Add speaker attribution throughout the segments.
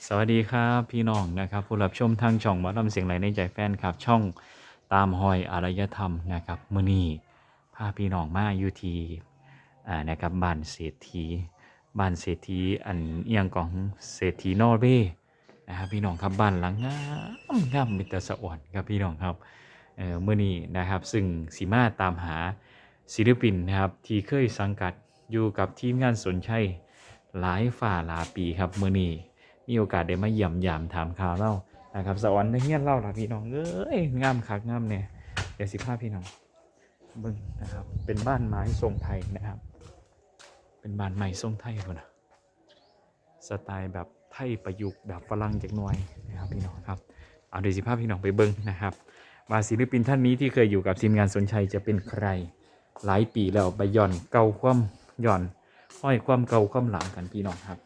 Speaker 1: สวัสดีครับพี่น้องนะครับผู้รับชมทางช่องหมอลำเสียงไหลในใจแฟนครับช่องตามหอยอารยธรรมนะครับมื้อนี้พาพี่น้องมาอยู่ที่นะครับบ้านเศรษฐีอันเอียงของเศรษฐีนอร์เวย์นะครับพี่น้องครับบ้านหลังงามมิตรสะอ่อนครับพี่น้องครับมื้อนี้นะครับซึ่งสีมาตามหาศิลปินนะครับที่เคยสังกัดอยู่กับทีมงานสนชัยหลายฝ่าหลายปีครับมื้อนี้ มีโอกาสได้มาเยี่ยมยามถามข่าวเล่านะครับสวรรค์ในเฮียนเล่าล่ะพี่น้องเอ้ยงามคักงามเนี่ยเดี๋ยวสิพาพี่น้องเบิ่งนะครับเป็นบ้านไม้ทรงไทยนะครับเป็นบ้านไม้ทรงไทยพุ่นน่ะสไตล์แบบไทยประยุกต์แบบฝรั่งจักหน่อยนะครับพี่น้องครับเอาเดี๋ยวสิพาพี่น้องไปเบิ่งนะครับว่าศิลปินท่านนี้ที่เคยอยู่กับทีมงานสนชัยจะเป็นใครหลายปีแล้วไปย่อนเก่าความย่อนห้อยความเก่าความหลังกันพี่น้องครับ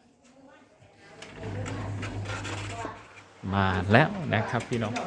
Speaker 1: มาแล้วนะครับพี่น้อง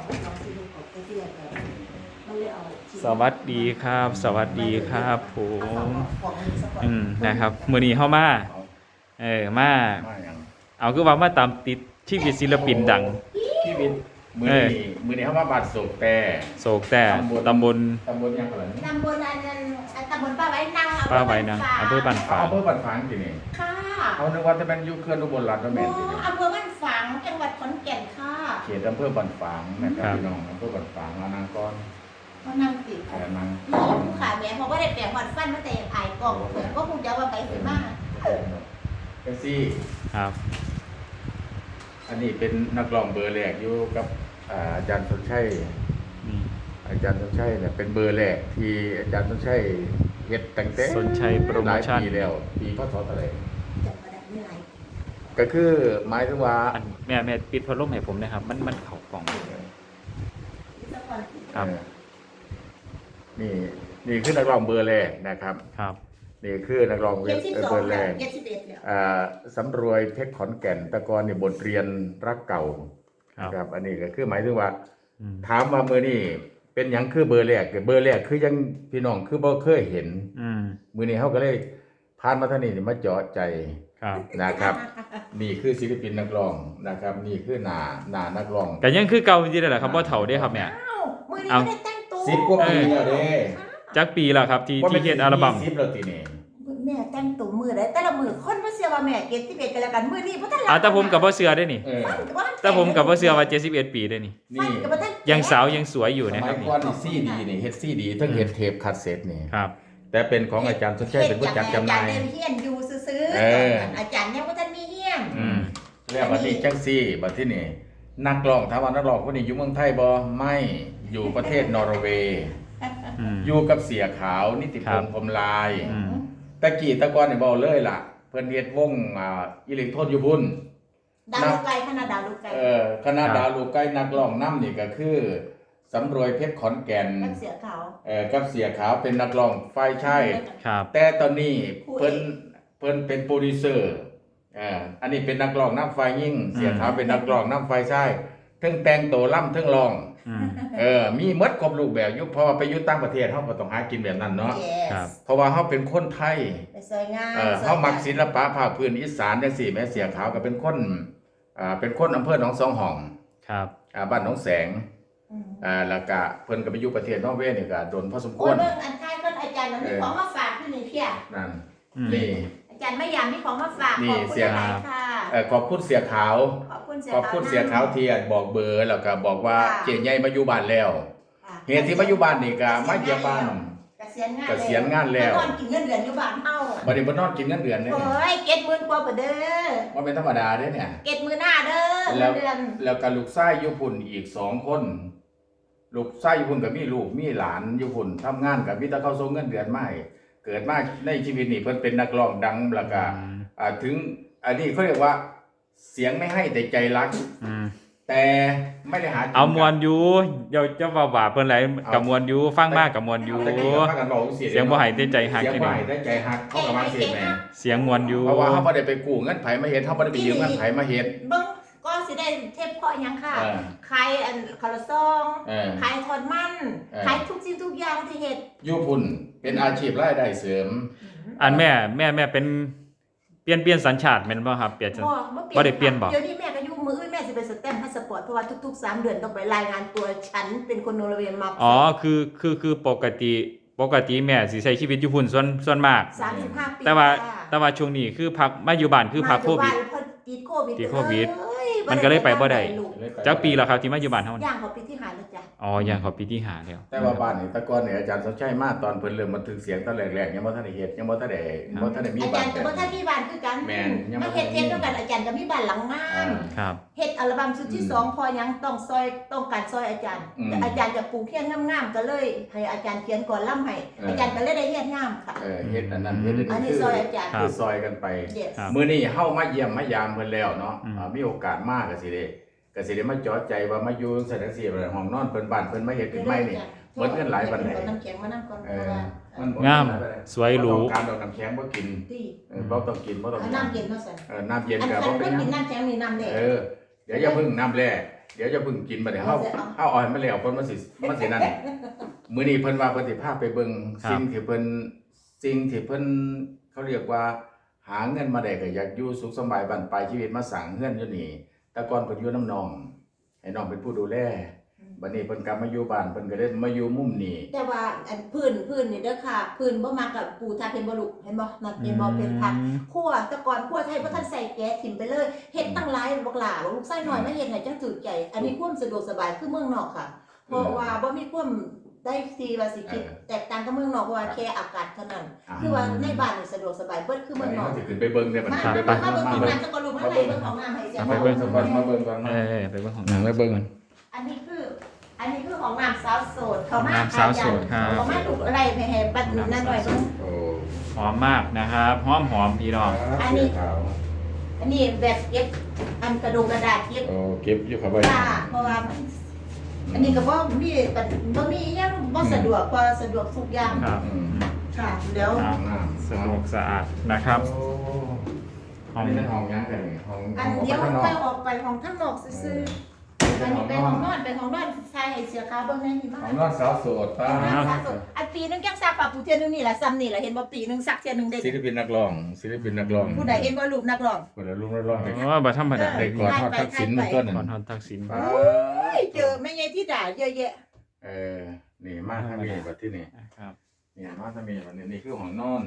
Speaker 1: สวัสดีครับสวัสดีครับผมนะครับมื้อนี้เข้ามามาเอาคือว่ามาตามติดชีวิตศิลปินดัง
Speaker 2: ชีวิตมือนี้เขามาบัดโศกแต่
Speaker 1: ตำบล
Speaker 2: ยังเหรอ
Speaker 3: ตำบลอันนั้นตำบลป้าไว้นาง
Speaker 1: อำเภอบ้านฝาง
Speaker 2: อำเภอบัดฝางทีนี่
Speaker 3: ค่ะ
Speaker 2: เขานึกว่าจะเป็นยุคเคลื่อนอุบลรัตน์แม่นทีนี่
Speaker 3: อำเภอบ้านฝางจังหวัดขอนแก่นค่ะ
Speaker 2: เขตอำเภอบัดฝางนะครับพี่น้องอำเภอบัดฝางมานางก้อน
Speaker 3: ก็นั่งติด
Speaker 2: นาง
Speaker 3: ผู้ขาแม่เพราะว่าได้แปลงหอดฟันมาแต่ยังอายกล่องเผื่อก็คงจะว่าไปถึงมาก
Speaker 2: เอซี่
Speaker 1: ครับ
Speaker 2: อันนี้เป็นนักร้องเบอร์แรกอยู่กับอาจารย์สนชัยอาจารย์สนชัยเนี่ยเป็นเบอร์แรกที่อาจารย์สนชัยเฮ็ดตั้งแต่
Speaker 1: สนชัยโปรโมชั่น
Speaker 2: ปีแล้วปีพศเท่าไหร่ก็คือหมายถึงว่า
Speaker 1: แม่ปิดพัดลมให้ผมนะครับมันเข้ากล่องครับ
Speaker 2: นี่คือนักร้องเบอร์แรกนะครับ
Speaker 1: ครับ
Speaker 2: นี่คือนักร้องเบอร์แรกสำรวยเพชรขอนแก่นตะกอนนี่บทเรียนรักเก่าครับอันนี้ก็คือหมายถึงว่าถามว่ามือนี่เป็นยังคือเบอร์แรกคือยังพี่น้องคือบ่เคยเห็นมือนี้เขาก็เลยผ่านมาท่านี้มาเจาะใจนะครับนี่คือศิลปินนักร้องนะครับนี่คือหน้านักร้อง
Speaker 1: แต่ยังคือเก่าจริงๆแหละครับว่าเฒ่าได้ครับเนี่ย
Speaker 3: เอา
Speaker 2: 10 กว่าปีแล้วเด้
Speaker 1: จักปีแล้วครับที่เฮ็ดอัลบั้ม
Speaker 2: 10แล้วทีนี้
Speaker 3: แม่แต่งตัวมือได้แต่ละมือคนบ่เชื่อว่าแม่71กันแล้วกันมื้อนี้บ่ทัน
Speaker 1: แต่ผมก็บ่เชื่อได้นี่แต่ผมก็บ่เชื่อว่า71ปีได้นี่ยังสาวยังสวยอยู่นะครับ
Speaker 2: นี่ก่อนนี่ซีดีนี่เฮ็ดซีดีทั้งเฮ็ดเทปคาสเซ็ตนี่
Speaker 1: ครับ
Speaker 2: แต่เป็นของอาจารย์สนชัยเป็นผู้จัดจำหน่าย
Speaker 3: อาจารย์เฮียนอยู่ซื่ออาจารย์ยังบ่ทันมีเฮียน
Speaker 2: แล้วบัดนี้จังซี่บัดที่นี่นักร้องถามว่านักร้องคนนี้อยู่เมืองไทยบ่ไม่อยู่ประเทศนอร์เวย์อยู่กับเสียขาวนิติพงษ์พรหมลายตะกี้ตะกอนนี่เว้าเลยล่ะเพิ่นเฮ็ดวงอิเล็กโทรนอยู่พุ่น
Speaker 3: ดาวลูกไก่คณะดาวลูกไก่
Speaker 2: คณะดาวลูกไก่นักร้องนำนี่ก็คือสำรวยเพชรขอนแก่น
Speaker 3: กับเสียขาว
Speaker 2: กับเสียขาวเป็นนักร้องฝ่ายชายแต่ตอนนี้เพิ่นเป็นโปรดิวเซอร์อันนี้เป็นนักร้องนำฝ่ายหญิงเสียขาวเป็นนักร้องนำฝ่ายชายทั้งแต่งตัวล่ำทั้งร้องมีหมดครบรูปแบบอยู่พอไปอยู่ต่างประเทศเฮาก็ต้องหากินแบบนั้นเนาะเพราะว่าเฮาเป็นคนไทยเฮามักศิลปะภาคพื้นอีสานจังซี่แม่เสียขาวก็เป็นคนอำเภอหนองสองห้อง
Speaker 1: ครับ
Speaker 2: บ้านหนองแสงแล้วก็เพิ่นก็ไปอยู่ประเทศนอร์เวย์นี่ก็โดนพอสมควร
Speaker 3: เบิ่งอันท้ายเพิ่นอาจารย์มีของมาฝากที่นี่เพีย
Speaker 2: นั่นนี่
Speaker 3: อาจารย์ไม่ยามมีของมาฝากขอบคุณค่ะ
Speaker 2: ขอบคุณเสียขาวขอบคุณเสียขาวที่บอกเบอร์แล้วก็บอกว่าเจ๊ใหญ่มาอยู่บ้านแล้วเหตุที่มาอยู่บ้านนี่ก็มาเยี่ยมบ้านเกษียณงานแล้ว
Speaker 3: นอนกินเงินเดือนอยู่บ้านเฮา
Speaker 2: บ่ได้บ่นอนกินเงินเดือนเด้
Speaker 3: โอ้ย70,000กว่าเด้อ
Speaker 2: บ่เป็นธรรมดาเด้เนี่ย
Speaker 3: 70,000หน้าเด้อเดือน
Speaker 2: แล้วก็ลูกชายอยู่พุ่นอีก2คนลูกชายอยู่พุ่นก็มีลูกมีหลานอยู่พุ่นทำงานก็มีแต่เขาส่งเงินเดือนมาให้เกิดมาในชีวิตนี่เพิ่นเป็นนักร้องดังแล้วก็ถึงอันนี้เขาเรียกว่าเสียงไม่ให้แต่ใจรักแต่ไม่ได้หา
Speaker 1: เอามวนอยู่เดี๋ยวจะว่าเพิ่นหลายกับมวนอยู่ฟังมากกับมวนอยู่เสียงบ่ให้แต่ใจฮัก
Speaker 2: เสียงบ่ให้แต่ใจฮักเขาก็ว่าเสียงแม่
Speaker 1: เสียงมวนอยู่
Speaker 2: เพราะว่าเฮาบ่ได้ไปกู้เงินไผมาเฮ็ดเฮาบ่ได้ไปยืมเงินไผมาเฮ็ด
Speaker 3: เบิ่งก็สิได้เทปเพาะหยังค่ะขายอันคาราซองขายทอดมันขายทุกสิ่งทุกอย่างที่เฮ็ด
Speaker 2: อยู่พุ่นเป็นอาชีพรายได้เสริม
Speaker 1: อันแม่เป็นเปลี่ยนสัญชาติแม่นบ่ครับเปลี่ยนบ่
Speaker 3: ได้เปลี่ยนบ่เดี๋ยวนี้แม่ก็อยู่มื้ออื่นสิเป็นสแตมป์พาสปอร์ตเพราะว่าทุกๆ3 เดือนต้องไปรายงานตัวฉันเป็นคนนอร์เวย์มา
Speaker 1: อ๋อคือปกติแม่สิใช้ชีวิตอยู่พุ่นส่วนมาก
Speaker 3: 35 ปี
Speaker 1: แต่ว่าช่วงนี้คือพักมาอยู่บ้านคือพักโควิด
Speaker 3: พอติดโควิด
Speaker 1: ติดโควิด มันก็เลยไปบ่ได้จักปีแล้วครับที่มาอยู่บ้านเฮานี่
Speaker 3: ย่างเขาปีที่5แล้วจ้ะ
Speaker 1: อ๋อย่างเขาปีที่ห้าแล้ว
Speaker 2: แต่ว่าบ้านนี่แตะกอนเนี่ยอาจารย์สมชัยมาตอนเพิ่นเริ่มบันทึกเสียงตอนแรกๆยังบ่ทันได้เฮ็ดยังบ่ทันได้มี
Speaker 3: อา
Speaker 2: บ้า
Speaker 3: จาน รย์ก็บ่ทันมีบ้านคือกัน
Speaker 2: แม่นยังบ่
Speaker 3: มา
Speaker 2: ทั
Speaker 3: เฮ็ด
Speaker 2: น
Speaker 3: เทียมด้วยกันอาจารย์ก็มีบ้านหลังงาม
Speaker 1: ครับ
Speaker 3: เฮ็ดอัลบั้มชุดที่2พอยังต้องการซอยอาจารย์แต่อาจารย์จะปลูกเขียนงามๆก็เลยให้อาจารย์เขียนก่อนล่ำให้อาจารย์ก็เลยได้เฮ็ดงามค่ะ
Speaker 2: เฮ็ดอันนั้นเฮ็ด
Speaker 3: อันนี้ซอยอาจารย์
Speaker 2: คือซอยกันไป
Speaker 3: Yes
Speaker 2: มื้อนี้เฮามาเยี่ยมมายามเพิ่นแล้วเนาะมีโอกาสมาก็สิได้มาจอดใจว่ามาอยู่จังซี่ห้องนอนเพิ่นบ้านเพิ่นมาเฮ็ดขึ้นใหม่นี่เหมือนกันหลายปานใด
Speaker 3: น้ำแข็งมานั่งก่อนเพราะว่า
Speaker 1: งามสวยหรู
Speaker 2: การดอกน้ำแข็งบ่กิน
Speaker 3: ตี
Speaker 2: บ่ต้องกินบ่ต้อง
Speaker 3: น้ำเย็นมาใส่
Speaker 2: น้ำเย็น
Speaker 3: อัน
Speaker 2: ก็
Speaker 3: คั
Speaker 2: บ่
Speaker 3: น
Speaker 2: เป็
Speaker 3: ก็
Speaker 2: นหยั
Speaker 3: กิน
Speaker 2: ง
Speaker 3: น้ำแข็งนี่น้ำแดง
Speaker 2: เดี๋ยวอย่าเพิ่งน้ำแร่เดี๋ยวอย่าเพิ่งกินบัดนี้เฮาเอาอ่อยมาแล้วเพิ่นมันสินั่นมื้อนี้เพิ่นว่าเพิ่นสิพาไปเบิ่งสิ่งที่เพิ่นเขาเรียกว่าหาเงินมาได้ก็อยากอยู่สุขสบายบั้นปลายชีวิตมาสร้างเฮือนอยู่นี่แต่ก่อนเพิ่นอยู่น้ำน้องให้น้องเป็นผู้ดูแลบัดนี้เพิ่นกลับมาอยู่บ้านเพิ่นก็เลยมาอยู่มุมนี้
Speaker 3: แต่ว่าอันพื้นนี่เด้อค่ะพื้นบ่มากับปูทาเป็นบ่ลูกเห็นบ่นั่นเป็นบ่เป็นผักคั่วแต่ก่อนคั่วไทยบ่ทันใส่แก๊สถิ่มไปเลยเฮ็ดตั้งหลายบักหลาลูกไส้น้อยมาเฮ็ดให้จังถูกใจอันนี้ความสะดวกสบายคือเมืองนอกค่ะเพราะว่าบ่มีความได้ทีว่าสิคิดแตกต่างกับเมืองนอกเพราะว่าแค่อากาศเท่านั้นคือว่าในบ้านนี่สะดวกสบายเบิดคือเมืองนอก
Speaker 2: สิขึ้นไปเบิ่งได้บัด
Speaker 3: มา
Speaker 2: นี้
Speaker 3: เบิ่งของน้ำจะก็ลูกมาเลยเบิ่งของน้ำให้เสีย
Speaker 2: ไปเบิ่งสักวันมาเบิ่งก่อน
Speaker 1: ไปเบิ่งของ
Speaker 2: หนังไปเบิ่ง
Speaker 3: อันนี้คือของน้ำสาวโสดเขามา
Speaker 1: น้ำสาวโสดครับ
Speaker 3: เขามาถูกอะไรให้บัดนั่นหน่อยเบิ่ง
Speaker 2: โอ้
Speaker 1: หอมมากนะครับหอมพี่น้อง
Speaker 3: อันนี้แบบเก็บอันกระดงกระดาษเก็บ
Speaker 2: โอ้เก็บอยู่ครับไว้
Speaker 3: ค่ะเพราะว่าอันนี้ก็บ่มีหยังบ่สะดวกกว่าสะดวกทุกอย่าง
Speaker 1: ครับ
Speaker 3: ค่ะเดี๋ยว
Speaker 1: สะดวกสะอาดนะครับ
Speaker 2: ห้องนี้เป็นห้องยังไงห้อง
Speaker 3: อันเดี๋ยวไปออกไปของข้างนอกซื่อๆอันนี้เป็นของนอนใส่ให้เสียค่าเบิ่งในนี่มา
Speaker 2: ห้องนอนสาวโสดป้า
Speaker 3: อันปีนึงยังซักปะผู้เทื่อนึงนี่ล่ะซ้ำนี่ล่ะเห็นบ่ปีนึงซักเทื่อนึงเด้
Speaker 2: ศิลปินนักร้อง
Speaker 3: ผู้ใดเห็นบ่รูปนักร้อง
Speaker 2: คนละลุงนักร้อง
Speaker 1: อ๋อบ่ธรรมดา
Speaker 2: ได้ก่อนทอดทักษิณมันก็นั่น
Speaker 1: ก่อนทอดทักษิณ
Speaker 3: โอ้ยเจอแม่ยายที่ด่าเยอะแยะ
Speaker 2: นี่มาทางนี้บัดที่นี่
Speaker 1: ครับ
Speaker 2: นี่มาทางนี้บัดนี้นี่คือห้องนอน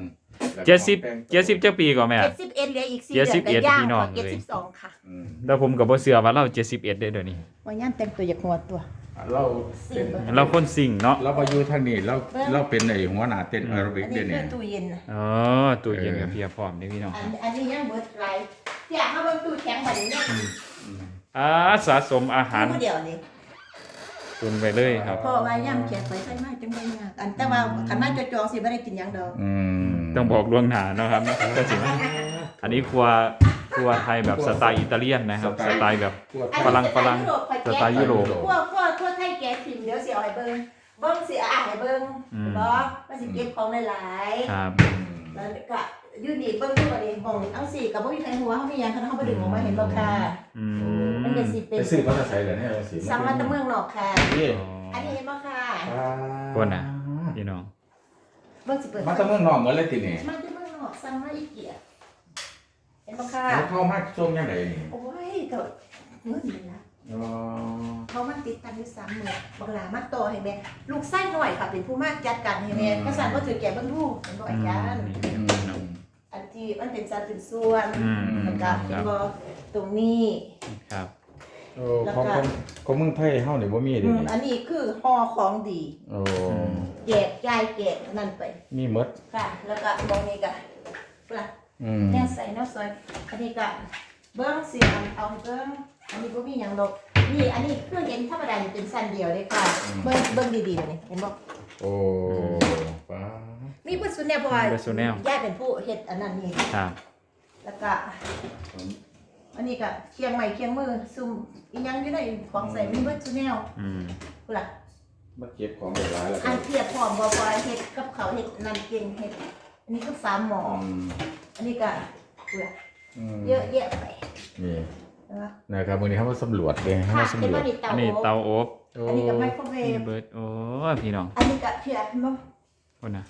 Speaker 1: 70เจ้าปีก่อนแม่
Speaker 3: 71เหลืออีก4เดือนก็ย่างกว่า72ค่ะ
Speaker 1: แล้วผมก็บ่เชื่อว่าเรา71เด้อเดี๋ยวนี้
Speaker 3: ว่าย่านแต่งตัวอยากหัวตัว
Speaker 2: เราเป็น
Speaker 1: เราคนสิ่งเนาะ
Speaker 2: เราไปอยู่ทางนี้เราเป็นไอ้หัวหน้าเต้นแอโรบิก
Speaker 3: อัน
Speaker 2: เด้
Speaker 3: นี้
Speaker 2: เนี่
Speaker 3: คื
Speaker 2: ย
Speaker 3: อตู้เย็นน่ะ
Speaker 1: อ๋อตู้เย็นกับเพียพร้อมเด้อพี่น้อง
Speaker 3: อันนี้ยังเบิดไรอยากมาเบิ่งตู้แข็งบัดนี้เนี่ย
Speaker 1: สะสมอาหาร
Speaker 3: ผู้เดียวนี่
Speaker 1: ตุนไปเลยครับ
Speaker 3: เพราะว่าย่ำแขกไปใส่มาจังได้ยากอันแต่ว่าคันมาจอๆสิบ่ได้กินหยังดอก
Speaker 1: ต้องบอกล่วงหน้าเนาะครับก็สิอันนี้ครัวไทยแบบสไตล์อิตาเลียนนะครับสไตล์แบบ ฝรั่งสไตล์ยุโรป
Speaker 3: พวกไทยแกะถิ่มเดี๋ยวสิเอาให้เบิ่งสิเอาให้เบิ่งบ่มันสิเก็บของหลาย
Speaker 1: ครับ
Speaker 3: ๆแล้วก็อยู่นี่เบิ่งอยู่บ่นี่มองเอาสิก็บ่มีใครหัวเฮามีหยังคันเฮาบ่ดึงออกมาเห็นบ่ค่ะมันก็สิเป็น
Speaker 2: ไปซื้อมาใส่เลยเนี่ยสิ
Speaker 3: สั่งมาแต่เมืองนอกค่ะ
Speaker 2: นี่
Speaker 3: อันนี้เห็นบ่ค่ะ
Speaker 1: คนน่ะพี่น้อง
Speaker 3: เบิ่งสิเปิด
Speaker 2: มาจากเมืองนอกเหมือนเลยทีนี่
Speaker 3: มาแต่เมืองนอกสั่งมาอีเกียเห็นบ่ค่ะ
Speaker 2: แล้วเข้ามาช่วงยังไงนี่
Speaker 3: โอ้ยก็เงินนี่นะเขามันติดตันอยู่30,000บักหลามาต่อให้แม่ลูกไส้หน่อยค่ะเป็นผู้มาจัดการให้แม่ก็สั่นบ่ถือแก่เบิ่งลูกเห็นบ่อาจารย์อันที่มันเป็นสัดเป็นส่วนแล้วก็เห็นบ่ตรงนี้
Speaker 1: ครับ
Speaker 2: โอ้ของเมืองไทยเฮานี่บ่มีเด้นี่
Speaker 3: อันนี้คือห่อของดี
Speaker 2: โอ้
Speaker 3: แยกย้ายแกะนั่นไป
Speaker 2: มีหมด
Speaker 3: ค่ะ แล้วก็ตรงนี้ก็ปลาแนวใส่แนวซอยอันนี้ก็เบิ้งเสียงเอาให้เบิ้งอันนี้บ่มีหยังดอกนี่อันนี้เครื่องเย็นธรรมดานี่เป็นสั้นเดียวเลยค่ะเบิ้งดีๆนี่เห็นบ่
Speaker 2: โอ้ป้า
Speaker 3: มีเบิดสุดแนวบ่ว่า
Speaker 1: เบิดสุดแนว
Speaker 3: ยายเป็นผู้เฮ็ดอันนั้นนี่
Speaker 1: ครับ
Speaker 3: แล้วก็อันนี้ก็เคียงไม้เคียงมือซุ่มอีหยังอยู่ในของใส่มีเบิดสุดแนวพุ่นล่ะ
Speaker 2: มาเก็บของหลายๆแล้ว
Speaker 3: อันเทียบพร้อมบ่ว่าเฮ็ดกับเขาวเฮ็ดนั่นเก่งเฮ็ดอันนี้ก็ฝาหม้ออันนี้ก็พุ่นล่ะเยอะแยะไป
Speaker 2: นี่
Speaker 3: นะคะ
Speaker 2: นะครับวันนี้เขามาสำรวจเลยเขา
Speaker 3: ค่ะ
Speaker 2: มา
Speaker 3: เป็น
Speaker 2: สำรว
Speaker 3: ว่า
Speaker 2: จ
Speaker 3: นี่
Speaker 1: อันนี้
Speaker 3: เตา
Speaker 1: เตาอบ
Speaker 3: อันนี้ก็ไมโครเวฟ
Speaker 1: เบิร์ดโอ้พี่น้อง
Speaker 3: อันนี้ก็เทียบมั้ง
Speaker 1: คนน่ะ
Speaker 3: บ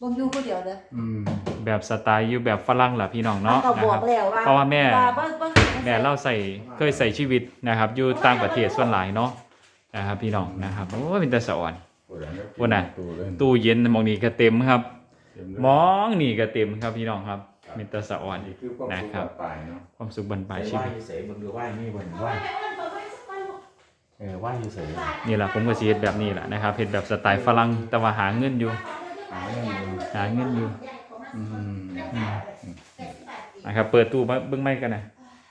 Speaker 3: บ่อยู่ผู้เดียวเด้อ
Speaker 1: แบบสไตล์อยู่แบบฝรั่งล่ะพี่น้องเนาะ
Speaker 3: ก็
Speaker 1: นะ
Speaker 3: บอ
Speaker 1: ครั
Speaker 3: ก
Speaker 1: บ
Speaker 3: แล้วว่า
Speaker 1: เพราะว่าแม่
Speaker 3: บ่
Speaker 1: แม่เล่าเคยใส่ชีวิตนะครับอยู่ต่างประเทศส่วนหลายเนาะนะครับพี่น้องนะครับโอ้ยเป็นแต่สะอ่อนพุ่นน่ะตู้เย็นมองนี่ก็เต็มครับมองนี่ก็เต็มครับพี่น้องครับเป็นแต่สะอ่อน
Speaker 2: นี่คือความ
Speaker 1: นะ
Speaker 2: สุข
Speaker 1: ครับ
Speaker 2: ปลายเนาะ
Speaker 1: ความสุขบรรปลายชี
Speaker 2: ไหว้
Speaker 1: วิต
Speaker 2: เสยมึงดูไหว้นี่บนไหว้ไหว้เสย
Speaker 1: นี่แหละผมก็สิเฮ็ดแบบนี้แหละนะครับเฮ็ดแบบสไตล์ฝรั่งแต่ว่าหาเงินอยู่นะครับเปิดตู้มาเบิ่งไม้กันนะ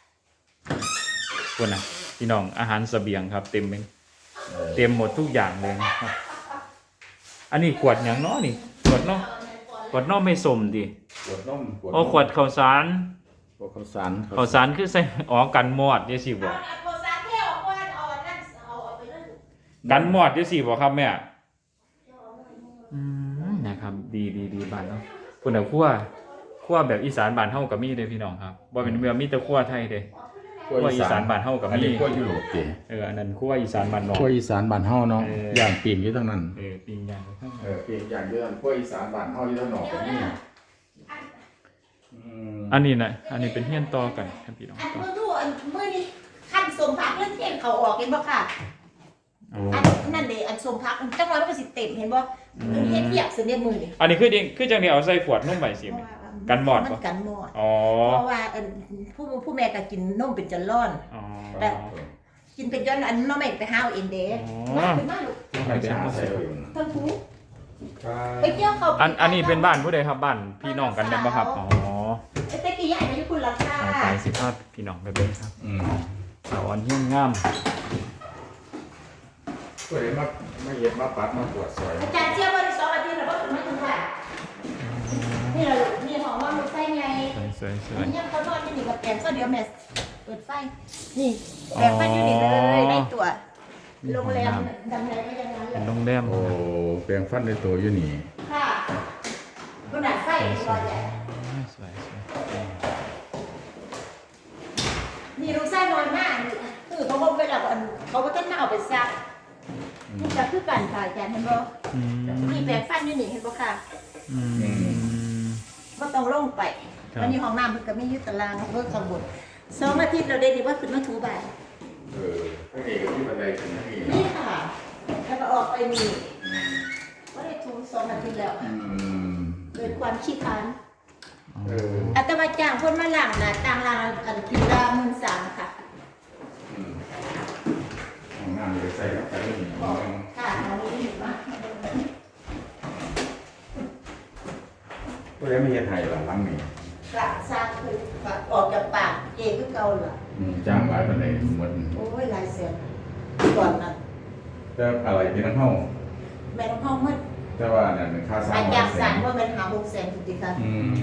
Speaker 1: พุ่นน่ะพี่น้องอาหารเสบียงครับเต็มหมดทุกอย่างเลยนะครับอันนี้ขวดหยังเนาะนี่ขวดเนาะไม่สมดิ
Speaker 2: ขวดนม
Speaker 1: โอ้ขวดข้าวสาร
Speaker 2: ขวดข้าวสาร
Speaker 1: คือใส่อ๋อกันมอดจังซี่บ่กันมอดจังซี่บ่ครับแม่นะครับดีบ้านเนาะพุ่นน่ะครัวแบบอีสานบ้านเฮาก็มีเด้พี่น้องครับบ่เป็นเมืองมีแต่ครัวไทยเด้ครัวอีสานบ้านเฮาก็
Speaker 2: อัน
Speaker 1: มี
Speaker 2: นี้ครัวยุโรปติ
Speaker 1: อันนั้นครัวอีสานบ้านนอก
Speaker 2: ครัวอีสานบ้านเฮาเนาะย่างปีนอยู่ทั้งนั้น
Speaker 1: ปิ้งย่างข้าง
Speaker 2: ปีนอย่างเดียวครัวอีสานบ้านเฮาอยู่ทั้งนอกก็มี
Speaker 1: อันนี้นะอันนี้เป็นเฮียนต่อกันครับพี่น้อง
Speaker 3: อัน
Speaker 1: ต่อ
Speaker 3: มื้อดูอันมื้อนี้ขั้นสมพักเรื่องเที่ยงเขาออกเห็นบ่ค่ะ
Speaker 1: อ๋อ
Speaker 3: อันนั่นเด้อันสมพักจังหวะมันก็สิเต็มเห็นบ่มันเฮ็ดเปียกเสเนี่ยมือนี่
Speaker 1: อันนี้คือจังนี้เอาใส่ขวดนมใบสิแม่กันมอด
Speaker 3: มั
Speaker 1: ปะ
Speaker 3: นกันมอด
Speaker 1: อ๋อ
Speaker 3: เพราะว่าอันผู้แม่ก็กินนมเป็นจันร่อน
Speaker 1: อ๋อ
Speaker 3: กินเป็นย้อนอันน้องแม่ไปหาเอาเองเด้มาเป็นมาลูก
Speaker 2: ไปหาใส่เอาเอง
Speaker 3: ทั้งคู่ไปเกี่ยวเขา
Speaker 1: อันนี้เป็นบ้านผู้ใดครับบ้านพี่น้องกันแม่นบ่ครับอ๋อ
Speaker 3: แต่กี้ใหญ่ไปอยู่คุณราคา
Speaker 1: ไปสิภาพพี่น้องไปเบิ่งครับสาวอ่อนเฮียนงาม
Speaker 2: ก็เลยมาเย็บมาปัดมาปวดซอย
Speaker 3: อาจารย์เชื่อว่าใน2 อาทิตย์น่ะบ่ถึงไม่ถึงค่ะนี่ล่ะลูกนี่ของว่ามันไฟไง
Speaker 1: สวย
Speaker 3: เนี่ยเขานอนที่นี่กับแปลงก็เดี๋ยวแม่เปิดไฟนี่แปลงไฟอยู่นี่เลยได้ตัวโรงแรมดังไหนก็ยังนั้น
Speaker 1: ๆ
Speaker 3: เล
Speaker 1: เป็
Speaker 3: ย
Speaker 1: นโรงแรม
Speaker 2: โอ้แปลงฟันในตัวอยู่นี่
Speaker 3: ค่ะขนาดไฟรอใหญ่
Speaker 1: สวย
Speaker 3: นี่ลูกไส้น้อยมากคือเขาบอกไปแล้วอันเขาก็ต้องมาเอาไปซักนี่จะคือกันค่ะอาจารย์เห็นบ่นี่แปลงฟันอยู่นี่เห็นบ่ค่ะบ่ต้องลงไปวันนี้ห้องน้ำมันก็มีอยู่ตารางเพิ่มข้างบน2 อาทิตย์เราได้ดีว่าขึ้นมาถูบ้าน
Speaker 2: ข้างนี้ก็มีบันไดขึ้นข้างนี้
Speaker 3: นี่ค่ะแล้วก็ออกไปนี่ก็ได้ถู2 อาทิตย์แล้วเกิดความขี้คร้านอาตมาจ้างคนมาล้างนะต่างล้างอันคิวละ13,000ค่ะ
Speaker 2: ห้องน้ำเลยใส่เข้าไปนี่
Speaker 3: ค่ะอันนี้เห็นปะ
Speaker 2: ก็เลยไม่เฮ็ดให้หลังนี้
Speaker 3: กระซากคือออกจากปากเจคือเก่าเหรอ
Speaker 2: จ้างหลายบันไดหมด
Speaker 3: โอ้ยหลายแสนก่อนนั้น
Speaker 2: แต่อะไรที่นั่นเฮา
Speaker 3: แม่น้องห้องมัน
Speaker 2: แต่ว่านั่นเป็นค่าสร้าง
Speaker 3: อาจากสั่งว่าเป็นหา600,000จริงๆค่ะ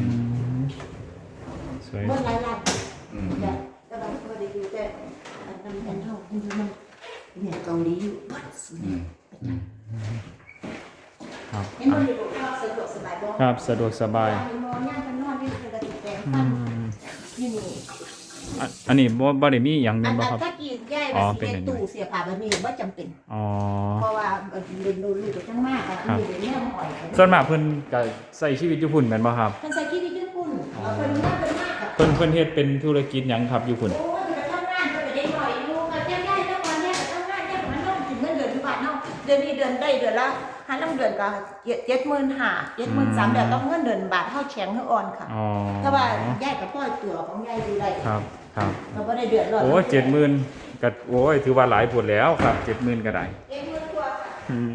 Speaker 1: สวย
Speaker 3: เมื่อไรล่ะแต่แต่บางคนได้อยู่แต่อันนั้นแผ่นเท่ามันเนี่ยเกาหลีอยู่บัดสุด
Speaker 1: ครับ
Speaker 3: เห็นมันอยู่สะดวกสบายบ่
Speaker 1: ครับสะดวกสบาย
Speaker 3: นอนย่างกันนอนนี่เป็นกระติกแปลงฟันนี่นี่
Speaker 1: อันนี้บ่ได้มีหยัง
Speaker 3: อั
Speaker 1: แม่
Speaker 3: น
Speaker 1: นบ่
Speaker 3: นั้น
Speaker 1: ครับ
Speaker 3: ถ้ากินย่ายแบบสิเฮ็ดตู้เสียผ้าแบบนี้บ่จำเป็น
Speaker 1: อ๋อ
Speaker 3: เพราะว่าเรียนรู้ไปทั้งมากอ่ะมีเรื่องหอย
Speaker 1: ส่วนมากเพิ่นก็ใช้ชีวิตอยู่พุ่นแม่นบ่ครับ
Speaker 3: มันใส่ขี้ที่ญี่ปุ่นเพิ่นน่าเป็นมากอ่ะ
Speaker 1: เพิ่นเฮ็ดเป็นธุรกิจหยังครับอยู่พุ่น
Speaker 3: โอ้ยไปทำงานก็ไปได้หน่อยลูกแก้ย่ายแล้ววันนี้ไปทำงานแก้มันน้องถึงเงินเดือนทุกบาทเนาะเดือนนี้เดือนได้เดือนละหาลำเดือนก็75,000 73,000แล้วต้องเงินเดือนบาทเฮาแข็งเฮาอ่อนค่ะ
Speaker 1: อ๋อ
Speaker 3: ถ้าว่าย่ายกับพ่อตัวของย่ายดูได้
Speaker 1: ครับครับ
Speaker 3: เราบ่ได้เดือดร้อน
Speaker 1: โอ้70,000ก็โอ้ยถือว่าหลายพุ่นแล้วครับ70,000ก็ได้
Speaker 3: 70,000กว่าค่ะ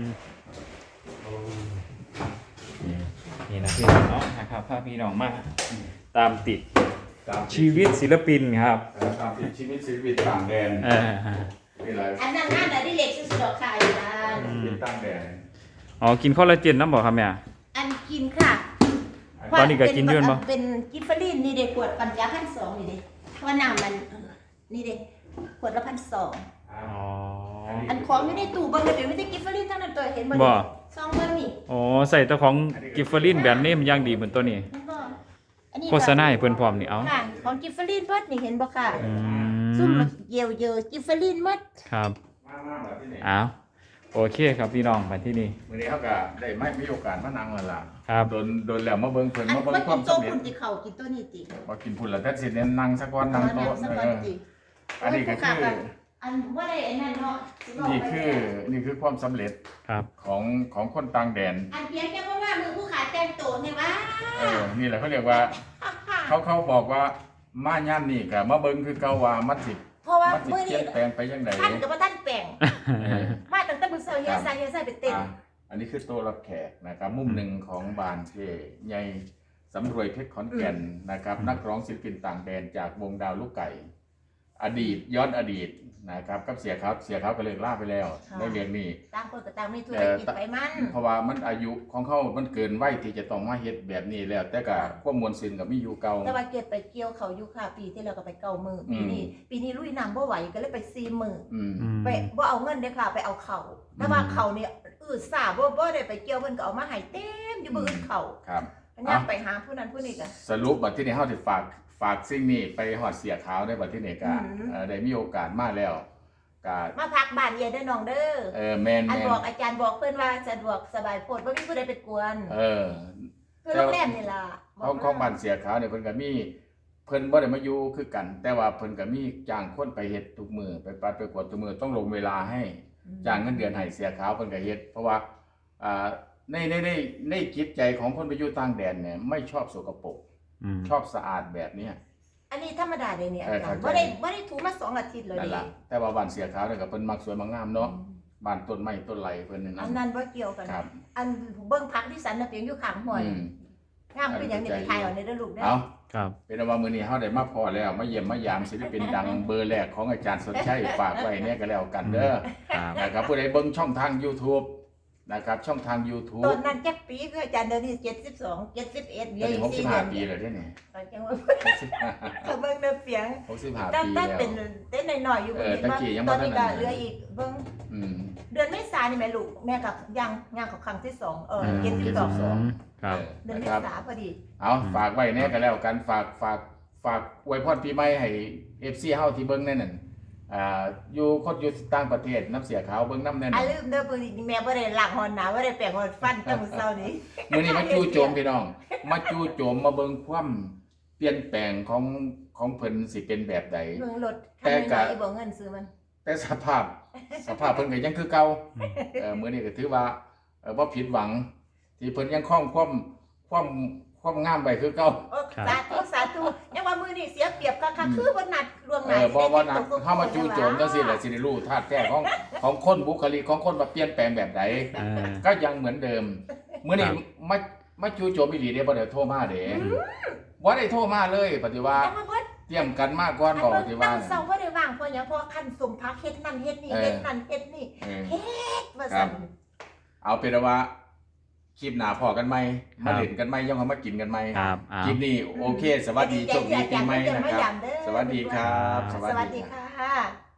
Speaker 1: นี่นะพี่น้องเนาะนะครับพาพี่น้องมาตามติดชีวิตศิลปินครับ
Speaker 2: ตามติดชีวิตศิลปินต่างแดน นี่แหละ
Speaker 3: อันนั้นงานอดิเรกสุดๆดอกค่ะอยู่นะ
Speaker 2: ศิลปินต่างแดน
Speaker 1: อ๋อกินคอลลาเจนน้ำบ่ครับแม่
Speaker 3: อันกินค่ะ
Speaker 1: ตอนนี้ก็กินอยู่บ่
Speaker 3: เป็นกิฟเฟอรีนนี่เด็กขวดปัญญา1,200นี่เด็กว่าน้ำมันนี่เด็กขวดละ1,200
Speaker 1: อ๋อ
Speaker 3: อันของอยู่ในตู้เบิ่งเลยเดี๋ยวไม่ได้กิฟเฟอรีนทั้งนั้นตัวเห็นบ่
Speaker 1: บ่
Speaker 3: ซองเบิ่งนี่
Speaker 1: อ๋อใส่แต่ของกิฟเฟอรินแบรนด์เนมอย่างดีเหมือนตัวนี้
Speaker 3: เห็นบ่อันนี้
Speaker 1: โฆษณาให้เพิ่นพร้อมนี่เอา
Speaker 3: ค่ะของกิฟเฟอรีนเบิดนี่เห็นบ่ค่ะ
Speaker 1: อื
Speaker 3: ซุ่ม
Speaker 1: ม
Speaker 3: เยียวเยอะกิฟเฟอรีนหมด
Speaker 1: ครับ
Speaker 2: มาแบบที่ไหน
Speaker 1: อ้าวโอเคครับพี่น้องมาที่นี่
Speaker 2: มื้อนี้เขาก็ได้ไม่มีโอกาสมานั่งแล้วล่ะ
Speaker 1: ครับ
Speaker 2: โดนแล้วมาเบิ่งเพิ่น
Speaker 3: อัน
Speaker 2: มาเบิ่ง
Speaker 3: ว่า
Speaker 2: ค
Speaker 3: กิ
Speaker 2: วาม
Speaker 3: นโต๊ะ
Speaker 2: สำเร็จ
Speaker 3: คุณติเขากินตัวนี้ติ
Speaker 2: บ่กินพุ่นละแต่สิเน้นนั่งสักวันนั่งโต๊ะ
Speaker 3: สักวันติ
Speaker 2: อันนี้ก็คือ
Speaker 3: อันว่าได้ไอ้นั่นเนาะ
Speaker 2: นี่คือความสำเร็จ
Speaker 1: ครับ
Speaker 2: ของคนต่างแดน
Speaker 3: อันเพียงแค่ว่ามือผู้ขาแต่งโตเนี่ยว่า
Speaker 2: นี่แหละเขาเรียกว่าเขาบอกว่ามาย่ามนี่ก็มาเบิ่งคือเก่าว่ามันสิ
Speaker 3: เพราะว่า
Speaker 2: มันสิ
Speaker 3: มื้อ
Speaker 2: เปลี่
Speaker 3: นี้
Speaker 2: ยนแปลงไปจังได
Speaker 3: ท่านกับว่าท่านแปลงมาตั้งแต่มื้อเช้าเฮียใส่ไปเต้น
Speaker 2: อันนี้คือโต๊ะรับแขกนะครับมุมหนึ่งของบานเจใหญ่สำรวยเพชรขอนแก่นนะครับนักร้องศิลปินต่างแดนจากวงดาวลูกไก่ อดีตย้อนอดีตนะครับกับเสียเขาก็เลิกล่าไปแล้วในเรื่องนี้
Speaker 3: ต่างคนก็ต่างมีธุรกิจไปมัน
Speaker 2: เพราะว่ามันอายุของเขามันเกินวัยที่จะต้องมาเฮ็ดแบบนี้แล้ว แต่ก็ความมวลซึนกับมีอยู่เก่า
Speaker 3: แต่ว่าเก็บไปเกี่ยวเขาอยู่ค่ะปีที่แล้วก็ไปเก่ามือปีนี้ลุยน้ำบ่ไหวก็เลยไป4มื้อ
Speaker 2: อืม
Speaker 3: ไปบ่เอาเงินเด้อค่ะไปเอาเขาแต่ว่าเขาเนี่ยสาบ่ได้ไปเกี่ยวเพิ่นก็เอามาให้เต็มอยู่บ่อื่นเขา
Speaker 2: ครับ
Speaker 3: ย่างไปหาผู้นั้นผู้นี้ก็
Speaker 2: สรุปบัดที่นี่เฮาสิฝากสิ่งนี้ไปฮอดเสียขาวได้บัดที่นี่ก็ได้มีโอกาสมาแล้วก็
Speaker 3: มาพักบ้านเย็นเด้อน้องเด้อ
Speaker 2: แม่น
Speaker 3: อันบอกอาจารย์บอกเพิ่นว่าสะดวกสบายโพดบ่มีผู้ใดไปกวน คือโรงแรมนี่ล่ะ
Speaker 2: ของบ้านเสียขาวเนี่ยเพิ่นก็มีเพิ่นบ่ได้มาอยู่คือกัน แต่ว่าเพิ่นก็มีจ้างคนไปเฮ็ดทุกมื้อไปปัดไปกวดทุกมื้อต้องลงเวลาให้จ้างเงินเดือนให้เสียขาวเพิ่นก็เฮ็ดเพราะว่าในจิตใจของคนไปอยู่ต่างแดนเนี่ยไม่ชอบสกปรกชอบสะอาดแบบเนี้ย
Speaker 3: อันนี้ธรรมดาเลยเนี่ยอาจารย์
Speaker 2: เข้า
Speaker 3: บ่
Speaker 2: ใจ
Speaker 3: ได้ถูมา2อาทิตย์เลย
Speaker 2: นั่น
Speaker 3: ดิ
Speaker 2: ล่ะแต่ว่าบ้านเสียขาวเนี่ยก็เพิ่นมักสวยมักงามเนาะบ้านต้นไม้ต้นไหลเพิ่นนั่น
Speaker 3: อันนั้นบ่เกี่ยวกัน
Speaker 2: ครับ
Speaker 3: อันเบิ่งพักที่สันน่ะเพียงอยู่ข้างห้วย
Speaker 2: อืม
Speaker 3: งามคือหยังนี่ไปถ่ายเอาในเด้อลูกเด้อ
Speaker 2: เอา
Speaker 1: ครับ
Speaker 2: เป็นว่ามื้อนี้เฮาได้มาพอแล้วมาเยี่ยมมายามศิลปินดังเบอร์แรกของอาจารย์สนชัยฝากไว้เนี่ยก็แล้วกันเด้อ
Speaker 1: ครับ
Speaker 2: นะครับผู้ใดเบิ่งช่องทาง YouTube นะครับช่องทาง
Speaker 3: ต
Speaker 2: YouTube
Speaker 3: อนนั้นจักปีคืออาจารย์เดี๋ยวนี้72 71
Speaker 2: ตอนนี้65 ปีแล้วเด้นี่
Speaker 3: ตอนจังว่าเขาเบิ่งเด้อเปียง
Speaker 2: 65
Speaker 3: ตั้ง
Speaker 2: ปี
Speaker 3: แต่
Speaker 2: แล้ว
Speaker 3: เป็นเต้นหน่อยๆอยู่บ่
Speaker 2: ตะกี้ยังบ่
Speaker 3: ตอนนี้
Speaker 2: ทั
Speaker 3: ก็
Speaker 2: นนั้น
Speaker 3: เหลืออีกเบิ่ง
Speaker 2: อืม
Speaker 3: เดือนเมษายนนี่แม่ลูกแม่กับย่างของครั้งที่2 72
Speaker 1: ครับ
Speaker 3: เดือนเม
Speaker 2: นะครับ
Speaker 3: ษาพอดี
Speaker 2: เอาฝากไว้แน่ก็แล้วกันฝากอวยพรปีใหม่ให้ FC เฮาที่เบิ่งแน่นั่นอยู่คนอยู่ต่างประเทศน้ำเสียขาวเบิ่งน้ำแน่
Speaker 3: อ่ะ
Speaker 2: นั่น
Speaker 3: ลืมเด้อมื้อนี้แม่บ่ได้ล้างหอนหนาบ่ได้แปรงหอนฟันตั้งมื้อเช้านี้
Speaker 2: มื้อนี้มาจู่โจมพี่น้อง มาจู่โจมมาเบิ่งความเปลี่ยนแปลงของเพิ่นสิเป็นแบบใด
Speaker 3: เบิ่งรถคันน้อยๆบ่เงินซื้อมัน
Speaker 2: แต่สภาพเพิ่นก็ยังคือเก่ามื้อนี้ก็ถือว่าบ่ผิดหวัง ที่เพิ่นยังคงความงามไว้คือเก่า
Speaker 3: โอ้สาธุยังว่ามื้อนี้เสียเปรียบค่ะคือบ่นัดล่วงหน้า
Speaker 2: บ่ว่านัดเฮามาจู่โจมจังซี่แหละสิได้รู้ธาตุแท้ของคนบุคลิกของคนว่าเปลี่ยนแปลงแบบใดก็ยังเหมือนเดิมมื้อนี้มาจู่โจมอีหลีเด้บ่ได้โทรมาเด้บ่ได้โทรมาเลยปฏิว่า
Speaker 3: ยังมาเบิด
Speaker 2: เตรียมกันมาก่อนบอกปฏิว่า
Speaker 3: ตั้งเซาบ่ได้ว่างเพราะหยังเพราะคันสมพักเฮ็ดนั่นเฮ็ดนี่เฮ็ดนั่นเฮ็ดนี่ว่าซั่น
Speaker 2: เอาเป็นว่าคลิปหน้าพอกันไหมมาเล่นกันไหมย่อมมากินกันไหม
Speaker 1: ครับ
Speaker 2: คลิปนี้โอเค สวัสดีโชคดีปีใหม่นะครับ สวัสดีครับ
Speaker 3: สวัสดีค่ะ